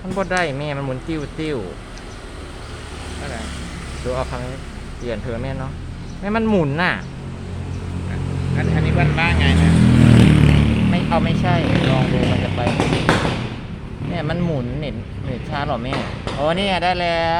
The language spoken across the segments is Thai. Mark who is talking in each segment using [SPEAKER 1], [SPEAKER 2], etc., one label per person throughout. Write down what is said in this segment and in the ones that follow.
[SPEAKER 1] มันบ่ได้แม่มันหมุนติ้วติ้ว
[SPEAKER 2] อะไร
[SPEAKER 1] ดูเอาครั้งเปลี่ยนเธอแม่เนาะแม่มันหมุนน่ะ
[SPEAKER 2] อันนี้บ้านไงนะ
[SPEAKER 1] ไม่เอาไม่ใช่ลองดูมันจะไปเนี่ยมันหมุนเน็ตช้าหรอแม่โอ้นี่ไงได้แล้ว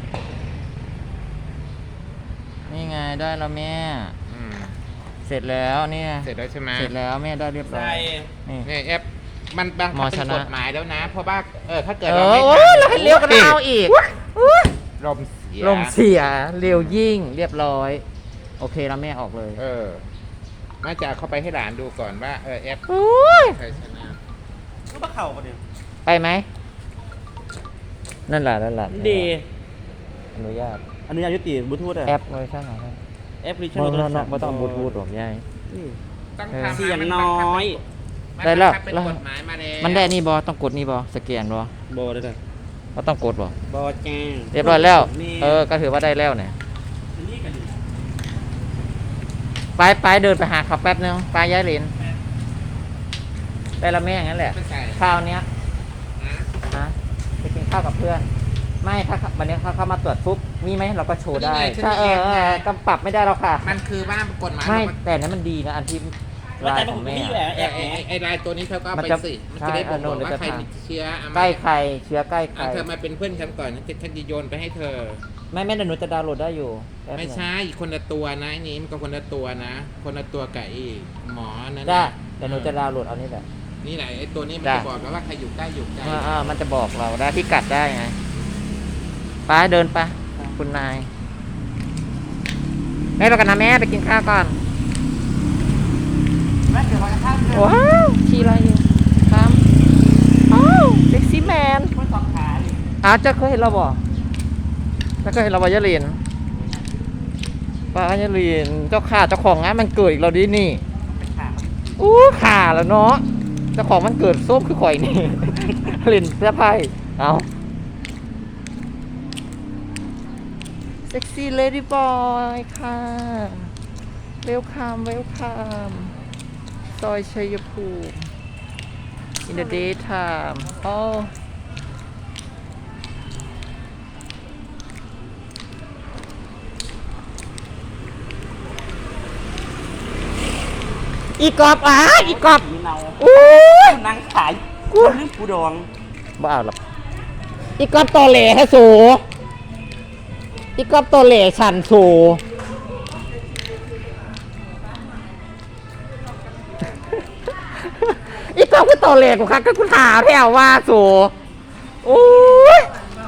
[SPEAKER 1] นี่ไงได้แล้วแม่
[SPEAKER 2] อืม
[SPEAKER 1] เสร็จแล้วเนี่ย
[SPEAKER 2] เสร็จแล้วใช่ไหม
[SPEAKER 1] เสร็จแล้วแม่ได้เรียบร้อยนี่
[SPEAKER 2] เนี่ยแอปมันบัง
[SPEAKER 1] หม
[SPEAKER 2] คั
[SPEAKER 1] อบ ช
[SPEAKER 2] เป็น
[SPEAKER 1] นะ
[SPEAKER 2] กฎหมายแล้วนะ เพราะว่าถ้าเกิด
[SPEAKER 1] เอ
[SPEAKER 2] เรา
[SPEAKER 1] อ
[SPEAKER 2] ไม่
[SPEAKER 1] โอ้ยเราให้เลี้ยวกันเอาอีก
[SPEAKER 2] ลมเสีย
[SPEAKER 1] ลมเสียเร็วยิ่งเรียบร้อย โอเคแล้วแม่ออกเลย
[SPEAKER 2] น่าจะเอาเข้าไปให้หลานดูก่อนว่าแอป
[SPEAKER 1] โอ้ย
[SPEAKER 2] ใครชนะ
[SPEAKER 3] ก็มาเข่ากันเนี่ย
[SPEAKER 1] ไปไหมนั่นแหละ
[SPEAKER 3] ดี
[SPEAKER 1] อนุญาต
[SPEAKER 3] อันนี้อายุติบลูทูธอะ
[SPEAKER 1] แอปเวอร์ชันอะไร
[SPEAKER 3] แอปพลิเคชั
[SPEAKER 1] ไม่ต้องบลูทูธหรอกยาย
[SPEAKER 2] ต้อง
[SPEAKER 1] เออ
[SPEAKER 2] ทำ
[SPEAKER 3] เสียง
[SPEAKER 2] มั
[SPEAKER 3] น้อย
[SPEAKER 2] มัน
[SPEAKER 1] ได้แล้ว
[SPEAKER 2] บังคับเป็นกฎหมายมาแล้ว
[SPEAKER 1] มันได้นี่บอต้องกดนี่บอสแกนบอ
[SPEAKER 3] โบได้เลย
[SPEAKER 1] ว่าต้องกดบอบ
[SPEAKER 3] อแจ้ง
[SPEAKER 1] เรียบร้อยแล้ว
[SPEAKER 3] นี่
[SPEAKER 1] ก็ถือว่าได้แล้วเนี่ย
[SPEAKER 3] อันนี้กันดิ
[SPEAKER 1] ไปเดินไปหาเขาแป๊บนึงไปย้ายเหรียญได้ละแม่งั้นแหละ
[SPEAKER 2] ไม่ใช่
[SPEAKER 1] ข้าวเนี้ย
[SPEAKER 2] นะ
[SPEAKER 1] นะไปกินข้าวกับเพื่อน ไม่ถ้าวันนี้เขาเข้ามาตรวจปุ๊บมีไหมเราก็โชว์ได้ใช่กำปรับไม่ได้หรอกค่ะ
[SPEAKER 2] มันคือว่ากฎหมาย
[SPEAKER 1] ไม่แต่นั้นมันดีนะอันที่
[SPEAKER 3] แล้ว
[SPEAKER 1] ลา
[SPEAKER 3] แต่
[SPEAKER 1] ย
[SPEAKER 3] ผ
[SPEAKER 1] ขอ
[SPEAKER 3] ม
[SPEAKER 1] ง
[SPEAKER 3] ไม่
[SPEAKER 1] แม่
[SPEAKER 3] อยู่แล้วแอป
[SPEAKER 2] ไอ้ลายตัวนี้เธอก็เอา
[SPEAKER 1] มัน
[SPEAKER 2] ไป
[SPEAKER 1] จะ
[SPEAKER 2] สิมันจะได้
[SPEAKER 1] ใช่
[SPEAKER 2] บอก
[SPEAKER 1] โน่น
[SPEAKER 2] ว่าใคร
[SPEAKER 1] เดี๋ยวจะ
[SPEAKER 2] มีเชื้อเอามา
[SPEAKER 1] ใกล้ใครเชื้อใกล้ใคร
[SPEAKER 2] เธอมาเป็นเพื่อนฉันก่อนฉันจะโยนไปให้เธอ
[SPEAKER 1] ไม่แต่หนูจะดาวน์โหลดได้อยู่แป๊บนึง
[SPEAKER 2] ไม่ใช่คนละตัวนะไอ้นี้มันก็คนละตัวนะ คนละตัวกับไอ้หมอนั่น
[SPEAKER 1] ได้
[SPEAKER 2] น่ะ
[SPEAKER 1] แต่หนูจะดาวน์โหลดเอานี่แหละ
[SPEAKER 2] นี่แหละไอ้ตัวนี้มัน
[SPEAKER 1] ได้
[SPEAKER 2] จะบอกแล้วว่าใครอยู่ใกล้อยู่ไกล
[SPEAKER 1] มันจะบอกเราได้พิกัดได้ไงไปเดินไปคุณนายแม่ไปกันนะแม่ไปกินข้าวก่อน
[SPEAKER 3] แม่เดี๋ยวเราจะข้ามเรือ
[SPEAKER 1] ว้าวขี่อะไรอยู่ครับอ้าวเซ็กซี่แมน
[SPEAKER 3] มันสองขาดิ
[SPEAKER 1] จะเคยเห็นเราบ่จะเคยเห็นเราบ่ยะลินป้ายะลินเจ้าข่าเจ้าของงานมันเกิดอีกเราดินี่
[SPEAKER 3] เป็นขา
[SPEAKER 1] อู้ข่าแล้วเนาะเจ้าของมันเกิดส้มคือข่อยนี่ ลินเสื้อผ้าเอาเซ็กซี่เลดี้บอยค่ะเวลคัมซอยชัยภูมิ in the daytime อีกอบอีกอบ
[SPEAKER 3] มีเนา
[SPEAKER 1] อู้ย
[SPEAKER 3] นั่งขาย
[SPEAKER 1] กู
[SPEAKER 3] นึกกูดอง
[SPEAKER 1] บ้าหรอกอีกอบตอเหล่ฮะสูอีกอบตอเหล่ฉันสูอีกอบก็ตอเหล่กูค่ะก็กูถามแถวว่าสูโอ้ย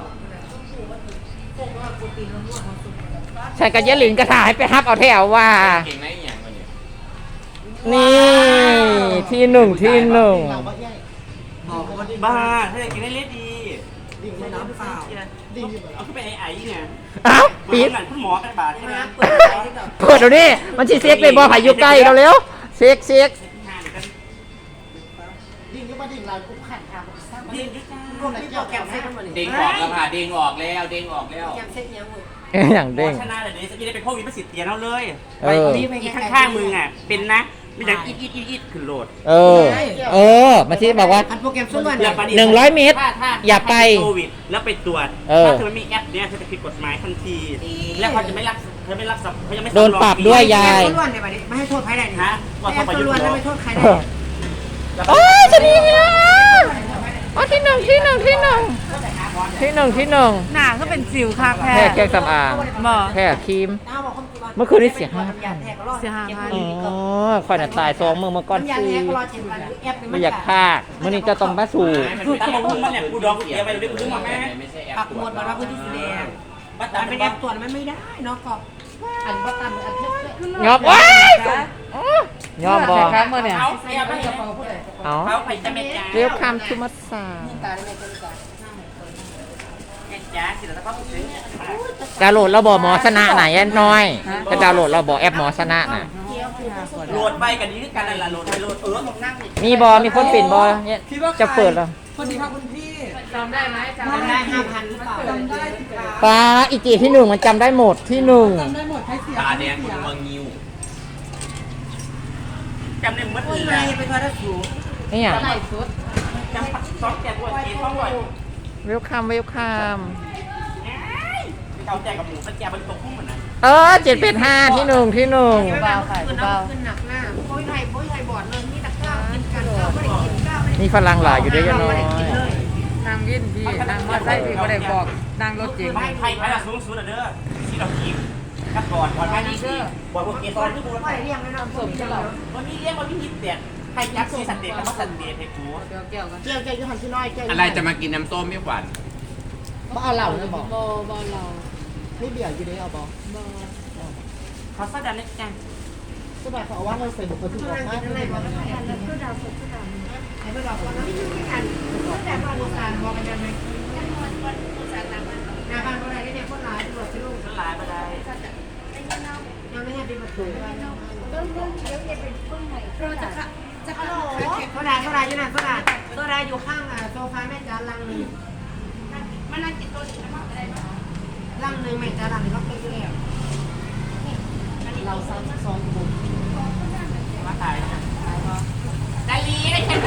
[SPEAKER 1] ฉันกับยะหลินก็ถ่ายให้ไปฮับเอาแถวว่า
[SPEAKER 2] เก่งไหมอย่างวันนี้
[SPEAKER 1] นี่ที่หนึ่ง
[SPEAKER 3] บ้าถ้าอยากกินได้เล็ดดีดิ่งไม่น้ำเปล่าดิ่งเอาขึ้นไปไอ้เนี่ย
[SPEAKER 1] อ้าวปี
[SPEAKER 3] ปี
[SPEAKER 1] ด
[SPEAKER 3] หลังคุณหมอกันบาทใช่ไหม
[SPEAKER 1] เปิดเดี๋ยวนี้มันชีเซ็กเลยบอผ่ายุใกล้เราเร็วเซ็ก
[SPEAKER 4] ดิ่งก็มาดิ่งลายคุ้มขันค่ะผมสร้างมา
[SPEAKER 3] ดิ่
[SPEAKER 4] ดิ่
[SPEAKER 3] ง
[SPEAKER 4] ง
[SPEAKER 3] ยุจ้า
[SPEAKER 4] ร่วมในเกี่ยวแกมเซ็ตมัน
[SPEAKER 2] เด้งออกแล้วค่ะเด้งออกแล้วเด้งออกแล้ว
[SPEAKER 4] แกมเซ็ตยังหมด
[SPEAKER 1] อย่างเด้ง
[SPEAKER 3] ชนะเลยเดี๋ยวจะได้เป็นโควิดประสิทธิ์เตียนเอาเลย
[SPEAKER 1] เออ
[SPEAKER 3] อีกข้างๆมึงอ่ะเป็นนะไม่อยากอีดขึ้นโหลด
[SPEAKER 1] มาที่บอกว่า
[SPEAKER 4] อันโปรแกรมส่วนวัน
[SPEAKER 3] อย่าไป
[SPEAKER 1] 100 เมตร อย่าไป
[SPEAKER 3] โควิดแล้วไปตรวจ ถ้าเธอไม่มีแอปเนี่ยเธอจะผิดกฎหมายทันที แล้วเขาจะไม่รักเขายังไม่
[SPEAKER 1] โดนปรับด้วยยาย
[SPEAKER 4] ส่วนวันเนี่ยมาดิไม่ให้โทษใครได้นี่
[SPEAKER 3] ฮะ
[SPEAKER 4] ไม่ให้ส่วนวันแล้วไม่โทษใครได้
[SPEAKER 1] โอ้ยชนีนะอ๋อที่หนึ่ง
[SPEAKER 5] หนาก็เป็นสิวค่ะแพ้
[SPEAKER 1] แค่แก้สำอาง
[SPEAKER 5] บ่
[SPEAKER 1] แค่ครีม เมื่อคืนนี้เสีย5,000
[SPEAKER 5] เสีย5,000
[SPEAKER 1] อ๋อข่อยน่ะตาย2 มือเมื่อก่อน
[SPEAKER 4] ยา
[SPEAKER 1] ซี
[SPEAKER 4] แท้ก็รอ7 วันแอป
[SPEAKER 1] ไม่อยากพากมื่อนี้จะต้องมาสู่
[SPEAKER 3] คือตั้งมึงมันเนี่ยกูดองกูเตียไปเดี๋ยวกูมาแม่
[SPEAKER 2] ไม่ใช่แอป
[SPEAKER 4] ปักหมดบอกว่าพื้นที่สีแดง
[SPEAKER 3] บัตร
[SPEAKER 4] แต่
[SPEAKER 3] ตาม
[SPEAKER 4] เป็
[SPEAKER 3] เป็น น
[SPEAKER 4] แอ
[SPEAKER 3] แอ
[SPEAKER 4] ป
[SPEAKER 3] ป
[SPEAKER 4] ตรวจมันไม่ได้เนาะก็อันว่าตามอันเพื่อน
[SPEAKER 1] ยอบว้ายยอมบอ
[SPEAKER 5] ครับเมื่อเนี่ย
[SPEAKER 3] เขาแอป
[SPEAKER 4] ไม่
[SPEAKER 3] ไม่
[SPEAKER 4] จะ
[SPEAKER 3] จะ
[SPEAKER 4] ฟังพูดเลย
[SPEAKER 1] เอา
[SPEAKER 3] เขาไปจะไม่จ้า
[SPEAKER 1] เรียกคำชุมัสสา
[SPEAKER 4] ตาได้ไหมคนก่อน
[SPEAKER 3] แม่จ้าสิแล้วก็ถึง
[SPEAKER 1] ดาวน์โหลดเราบอกหมอชนะไหนน้อยจะดาวน์โหลดเราบอกแอปหมอชนะน่ะ
[SPEAKER 3] โหลดไปกันนี้คือกันนั่นแหละโหลดไปโหลด
[SPEAKER 4] นั่งนี่
[SPEAKER 1] มีบอมีคนปิดบอเนี่ยจะเปิดแล้ว
[SPEAKER 4] คนดีค่ะคุณพี่
[SPEAKER 5] จำได้ไหมจำ
[SPEAKER 4] จำได้5,000หรือเปล่าจำได้
[SPEAKER 1] ป้าอีจีที่หนึ่งมันจำได้หมดที่หนึ่ง
[SPEAKER 4] จำได้หมดใครเสีย
[SPEAKER 2] ตาแดงคุณมังงิว
[SPEAKER 3] จำได้หมดเล
[SPEAKER 4] ไม่
[SPEAKER 3] ย
[SPEAKER 4] ไปทอดสูง
[SPEAKER 1] นี่อย่าง
[SPEAKER 5] ไหนสุด
[SPEAKER 3] จำปักซอสแกบวยเกท้องบ่อย
[SPEAKER 1] เวลคัมเวลคัม
[SPEAKER 3] เขาแจกกับหมูกระเจี๊ยบมันตกพุ่งเหมือนนั้น
[SPEAKER 1] 785ที่หนึ่ง
[SPEAKER 5] เบาค่ะเบา
[SPEAKER 4] ขึ้นหนักหน้าโป้ยไทยบอดเลยนี่ตะก้าวกินกันข้าวไม่ได้กินข้าวไม่ได้
[SPEAKER 1] มีฝรั่งหลายอยู่ด้วยยะน้อย
[SPEAKER 5] นางวินพี่นางมอไซค์พี่ก็ได้บอกนางรถเก๋ง
[SPEAKER 3] ไทยละสูงสุดเด้อที่เรากินกับบอดไม่ดีสิบอดพวกเกสรที่บูร
[SPEAKER 4] ไม่เรียงไม่นอนสมจะหรอ
[SPEAKER 3] วันนี้เรียกว่าพี่ฮิตเด็ดไทยยักษ์ซีสันเด็ดกับสันเด็ดให้กู
[SPEAKER 5] เดี๋ยวเกี่ยวกัน
[SPEAKER 4] เจียวยูหันที่น้อยเจียว
[SPEAKER 2] อะไรจะมากินน้ำส้มไม่หวาน
[SPEAKER 4] บ่เอาเหล่าเลยบอก
[SPEAKER 5] โบเรา
[SPEAKER 4] ไม่เบียร์อยู่ได้เอาบอก
[SPEAKER 3] เขาสดันเล็กจัง
[SPEAKER 4] ก็แบบเขาว่าเราใส่บุกไปทุกออกมาไม่ได้บอกไม่ได้ก็ดาวสดก็ดาวไอ้ไม่บอกว่าไม่ใช่กันแต่ว่าโบราณบอกกันไหมหน้าบ้านโบราณเนี่ยคนร้ายตำรวจที่ลูก
[SPEAKER 3] มันหลายไปได้
[SPEAKER 4] ยังไม่ให้เป็นประตูโซดาอยู่ไหนโซดาอยู่ข้างโซฟาแม่จ๋าลังนึงมันนั่งกินตัวนี้นะอะไรลังนึงแม่จ๋าลังนึงก็เป็นอยู่แล้วเรา32คน
[SPEAKER 3] มาขายดาลีได้แค่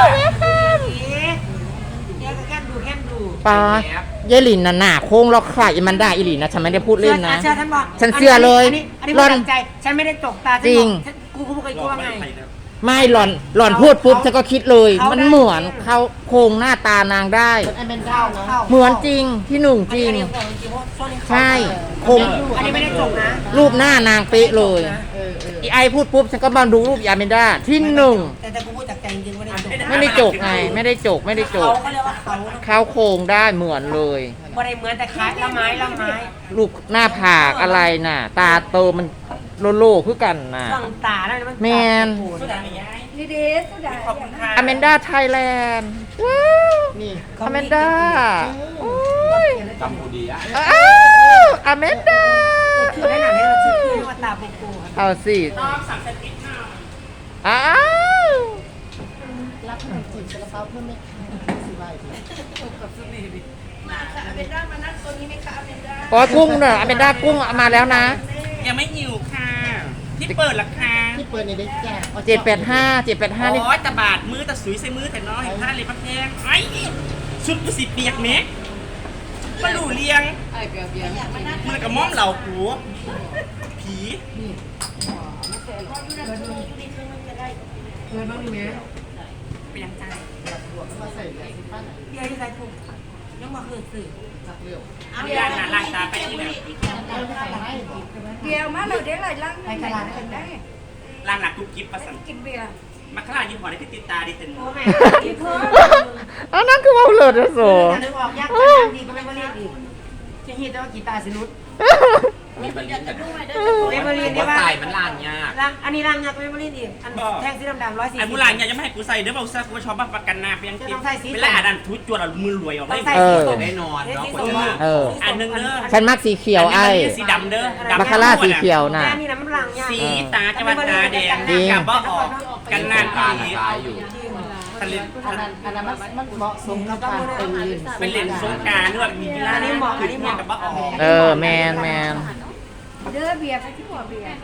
[SPEAKER 4] แค่ดู
[SPEAKER 1] ปาเยลินน่ะหน้าโค้งแล้วใครมันได้อีหลีนะฉันไม่ได้พูดเล่นนะ
[SPEAKER 4] เชื่อท่านบอก
[SPEAKER 1] ฉันเชื่อเลย
[SPEAKER 4] อันนี้ไม่ตั้งใจฉันไม่ได้ตกตากูเคยกลัวไง
[SPEAKER 1] ไม่หล่อนพูดปุ๊บฉันก็คิดเลย มันเหมือนเขาโครงหน้าตานางได้
[SPEAKER 4] ไอ้เป็นเข้า
[SPEAKER 1] เหมือนจริงที่หนึ่งจริง ใช่โครง
[SPEAKER 4] อันนี้ไม่ได้จบนะ
[SPEAKER 1] รูปหน้านางเป๊ะเลยอีไอพูดปุ๊บฉันก็มาดูรูปยาเมนด้าที่หนึ่ง
[SPEAKER 4] แต่กูพูดจากใจจริงไม่ได้จบ
[SPEAKER 1] ไม่ได้จกไงไม่ได้จก
[SPEAKER 4] เขาเรียกว่าเขา
[SPEAKER 1] เขาโครงได้เหมือนเลย
[SPEAKER 4] ไม่ได้เหมือนแต่คล้ายละไม้
[SPEAKER 1] ลูกหน้าผากอะไรน่ะ ตาโตมันโลคือกันน่ะ
[SPEAKER 4] ฟังตาแล้วมัน
[SPEAKER 1] แมน
[SPEAKER 3] สุดาไม่ย้าย
[SPEAKER 5] นี่ดีสุดา
[SPEAKER 3] ขอบคุณค่ะ
[SPEAKER 1] อเมนด้าไทยแลนด์ว้าวอเมนด้าโอ้ย
[SPEAKER 2] กัมพูดีอะ
[SPEAKER 1] อ้าวอเมนด้า
[SPEAKER 4] คือได้หนังให้เราชื่อว่าตาปูปู
[SPEAKER 1] เอาสิ
[SPEAKER 3] น้องสั่งเซตพิซซ่า
[SPEAKER 1] อ้าว
[SPEAKER 4] รับขนมจีบซาลาเปาเพิ่มไหมสิบใบ
[SPEAKER 1] โอ้ยกุ้งเนอะอเมนด้ากุ้งเอามาแล้วนะ
[SPEAKER 3] ยังไม่หิวค่ะที่เปิดราคา
[SPEAKER 4] ที่เปิดในเด็กแก่
[SPEAKER 1] 785นี่
[SPEAKER 3] โอ้ยตะบาดมือตะสุยใส่มือแต่น้อยเห็นผ้าเลยพระแพงไอ้ชุดกูสิเปียกเมกมาหลู่เลียง
[SPEAKER 5] ไอ้เปียกเปียก
[SPEAKER 3] มือกับม้อมเหล่าผัวผี
[SPEAKER 4] เปิดบ้างดีไหม
[SPEAKER 3] เป็นยังไง
[SPEAKER 4] มาใส่ใส่ป้าไหนเดี๋ยวที่ใส่ถุงยังมาคือสื่อจักเร็ว
[SPEAKER 3] มีร้านหนาลายตาไปที่ไหน
[SPEAKER 5] เดียวมาเราเดี๋ยวเลยลัง
[SPEAKER 4] ไปตลาดกันได้
[SPEAKER 3] ร้านหนักกุ๊กกิ๊บประสัน
[SPEAKER 5] กินเบียร์
[SPEAKER 3] มาข้างล่างยี่ห้อนี้คือติดตาดิเต็น
[SPEAKER 4] โอ้แม่
[SPEAKER 1] อันนั้นคือว่าเลิศนะโซ
[SPEAKER 4] นึกออกยากจังดีก็ไม่มาเรียกอีกจะฮิตแต่ว่ากีตาร์สินุษ
[SPEAKER 2] มีบริษัท
[SPEAKER 4] เมมโมรีนี่
[SPEAKER 2] ว่า
[SPEAKER 4] ว่า
[SPEAKER 2] ใส่มันลานยาก
[SPEAKER 4] อันนี้รังยักษ์เมมโมรีอีกอันแท่งสีดำๆ140
[SPEAKER 3] ไอ้มูลานเนี่ยยังไม่ให้กูใส่เด้อบอกซะกูชอบบ้าประกันนาเพียงกินเวลาอ่านทุจจวดเอามือรวยออกได้
[SPEAKER 2] จะได้นอนเนาะคนจะ
[SPEAKER 1] เออ
[SPEAKER 3] อันนึงเด้อ
[SPEAKER 1] ฉันมักสีเขียวไอ้
[SPEAKER 3] สีดำเด้อ
[SPEAKER 1] บาคาร่าสีเขียวน่ะ
[SPEAKER 4] แม่นี่นะมันรังยาก
[SPEAKER 3] สีตาจะมาตาแดง
[SPEAKER 1] จริง
[SPEAKER 3] กับบ่ออกกันนาน
[SPEAKER 2] ตา
[SPEAKER 3] ผี
[SPEAKER 2] ตายอยู่
[SPEAKER 3] ทะเล
[SPEAKER 4] อันนั้นมันเหมาะสมกับการเป็นลิน
[SPEAKER 3] เป็นเลนสงการด้วยมีกีฬากับบ่ออก
[SPEAKER 1] เออแมน
[SPEAKER 5] เด้อเบียร์ไปที่หัวเบียร์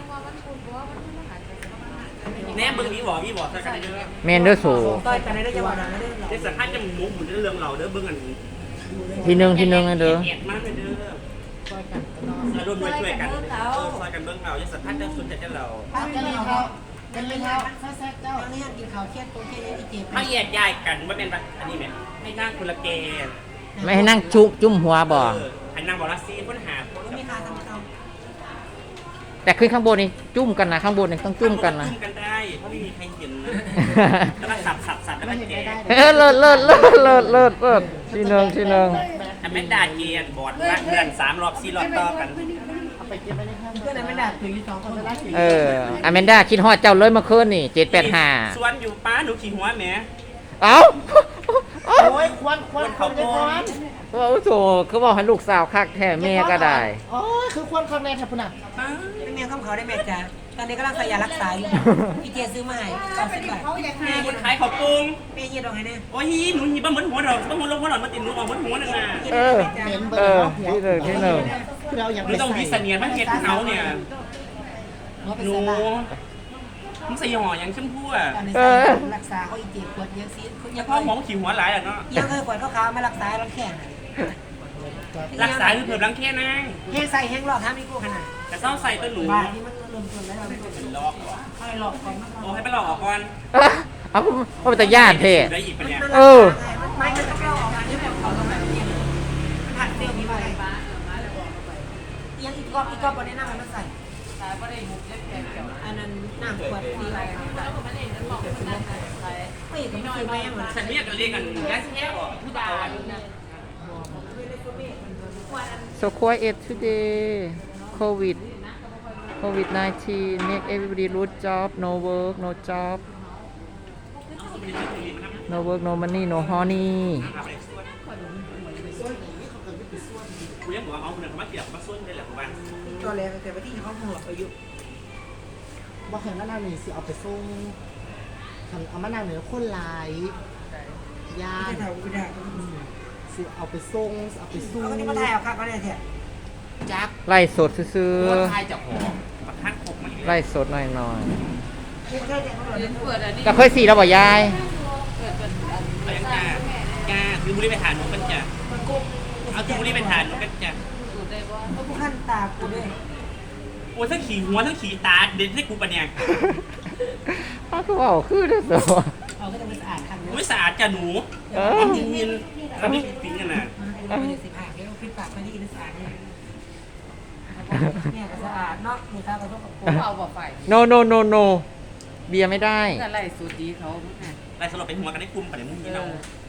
[SPEAKER 3] แน่มึงมีบ่สักกันเด้อ
[SPEAKER 1] แมนเด้อโซ
[SPEAKER 4] ต่อยกันได้จังหวะนั้นได้
[SPEAKER 3] เดี๋ยวสักพักจะหมูหมุนเรื่องเราเด้อเบิ่งอัน
[SPEAKER 1] ทีหนึ่งนะเด้อ
[SPEAKER 3] แอดมากเลยเด้อ
[SPEAKER 4] ต่อยกันเนาะ
[SPEAKER 3] แล้วร่วมด้วยช่วยกันซอยกันเบิ่งเราจะสักพักจะสุดจะเรา
[SPEAKER 4] กันเลยเขากันเลยเขาแซ่บเจ้านี่กินข้าวเครียดตัวเครียดที่เจ็บ
[SPEAKER 3] ถ้าแยกย้ายกันว่าเป็นแบบอันนี้ไหมให้นั่งคนละเกม
[SPEAKER 1] ไม่ให้นั่งจุ่มหัวบ่
[SPEAKER 3] ให้นั่งบอลซีค้นหา
[SPEAKER 4] มีค่าทำเขา
[SPEAKER 1] แต่ขึ้นข้างบนนี่จุ่มกันนะข้างบนนี่ต้องจุ่มกันนะ
[SPEAKER 3] จุ่มกันได้เพราะไม่มีใครเห็นนะแล้วก็สับแล้วก็แกะ
[SPEAKER 1] เลิศทีหนึ่ง
[SPEAKER 3] แต่แม่ด่าเกียนบอดละเดือน3 รอบ 4 รอบต่อกัน
[SPEAKER 4] เอาไปเก็บไปเลยครับเพื่อนไม่ได้ถึง2คนจะได้ถึง
[SPEAKER 1] อเมนด้าคิดฮอดเจ้าเลยเมื่อคืนนี่785
[SPEAKER 3] สวนอยู่ป้าหนูขี่หัวแม่
[SPEAKER 1] เอ้า
[SPEAKER 4] โอ้ยควันจะควัน
[SPEAKER 1] โอ้โหเขาบอกให้ลูกสาวคักแท้แม่ก็ได้
[SPEAKER 4] โอ้ยคือควันคำแรงแทบพุ่นอ่ะเป็นเมียข้ามเขาได้แม่จ้าตอนนี้กำลังใส่ยารักษาอยู่พี่เจซื้อมาให้90 บาท
[SPEAKER 3] แม่คนขายข้าวปุ้ง
[SPEAKER 4] เมียยืดออกให้แน่
[SPEAKER 3] โอ้ยหนูหีบเหมือนหัวเราต้องหัวลงหัวหลอนมาติดหนูออกเหมือนหัวนึงอ่ะ
[SPEAKER 1] ที่หนึ่ง
[SPEAKER 4] เราอย่าง
[SPEAKER 3] หนูต้องวิเสนียนมันเห็ดเขาเนี่ยหนูมึงใส่ห่ออย่างชมพู่อ่ะ
[SPEAKER 4] การในสายรักษาเขาอีเจ็บปวดเยอะซิ
[SPEAKER 3] อย่าพ่อหมอขี่หัวหลายอ่ะเนาะ
[SPEAKER 4] ยังเคยปวดเขาไม่รักษารังแขน
[SPEAKER 3] รักษาคือเพิ่มรังแค่นาง
[SPEAKER 4] แห้งใส่แห้งหลอกทำอีกกูขนาด
[SPEAKER 3] แต่เศร้าใส่ตัวหนู
[SPEAKER 4] บาทที่มันเริ่มต้นแล้วเราไม่เป็น
[SPEAKER 3] หลอกเหรอ
[SPEAKER 4] ค่อยหลอกก่อน
[SPEAKER 3] โอ้ให้ไปหลอกออกก่อน
[SPEAKER 1] เอาเป็นตาย่านเท่
[SPEAKER 3] ได้อีกปะเนี่ย
[SPEAKER 1] เออ
[SPEAKER 4] ไม่มันจะเข้าออกมาที่แบบเขาต้องแบบนี้มันหันเซลล์นี้มาเลยยังอีกกอบวันนี้นั่งมันใส่อันนั้นน้ำขวดดีอะไรไม่ก็ไม่เคยแม่งเหมือน
[SPEAKER 3] ฉันเนี่ยก็เรียกกันแค่แค่ออกผู้ดา
[SPEAKER 1] so quiet today COVID-19 make everybody lose job no work no job no work no money no honey
[SPEAKER 3] กูยังบอกว่าเอาเงินมาเกี่ยวมาส้นได้แหละผมว่า
[SPEAKER 4] ตัวแรกแต่ว่าที่เขาหัวไปอยู่
[SPEAKER 6] บ่เห็นมะนาวนี่สิเอาไปส่งคันเอามะนาวเหนือคนหลายย่า
[SPEAKER 4] ไม่
[SPEAKER 6] น
[SPEAKER 4] ได้ไม่ได้
[SPEAKER 6] สิเอาไปส่งสิเอาไปสู้
[SPEAKER 4] เขาที่มาถ่ายเอาครับเขาเนี่ยแท้
[SPEAKER 6] จัก
[SPEAKER 1] ไล่สดซื้อ
[SPEAKER 3] ตัวทายจากหอประทัดหกมัน
[SPEAKER 1] ๆไล่สดหน่อย
[SPEAKER 4] ไม่ใช่แต่เขาเลย
[SPEAKER 5] เปิดอันนี้
[SPEAKER 1] ๆก็เคยสีแล้วบ่ยาย
[SPEAKER 5] เปิดเป็น
[SPEAKER 3] อะไรจ้าคือบุรีไปฐานหนูกันจ้ะเอาคือบุรีไปฐานหนูกันจ้ะ
[SPEAKER 5] สูตรได้บ่
[SPEAKER 4] เขาผู้ขั้นตากูด้วย
[SPEAKER 3] โอ้ทั้งขี่หัวทั้งขี่ตาเด็ดให้กูปะเนี่ย
[SPEAKER 1] อ้าวคือว่าคือเด้อสิ
[SPEAKER 4] เขาก็จะไปสะอาดคัน
[SPEAKER 3] ไม่สะอาดจ้ะหนู
[SPEAKER 1] เออ
[SPEAKER 3] ความจริงมินแล้วไม่ปิดกันนะ
[SPEAKER 4] ไม่ได้สิบห้าเดี๋ยวขึ้นปากไปนี่สะอาดเนี่ยเนี่ยก็สะอาดเนาะมีข้าวกระทบกับกู
[SPEAKER 5] เอาบ่ไฟ
[SPEAKER 1] no no no no เบียร์ไม่ได้
[SPEAKER 5] อะไรสูตรดีเขา
[SPEAKER 3] ลายสลบเป็นหัวกันได้คุมปะเนี่ยมึงนี่เรา
[SPEAKER 5] เออ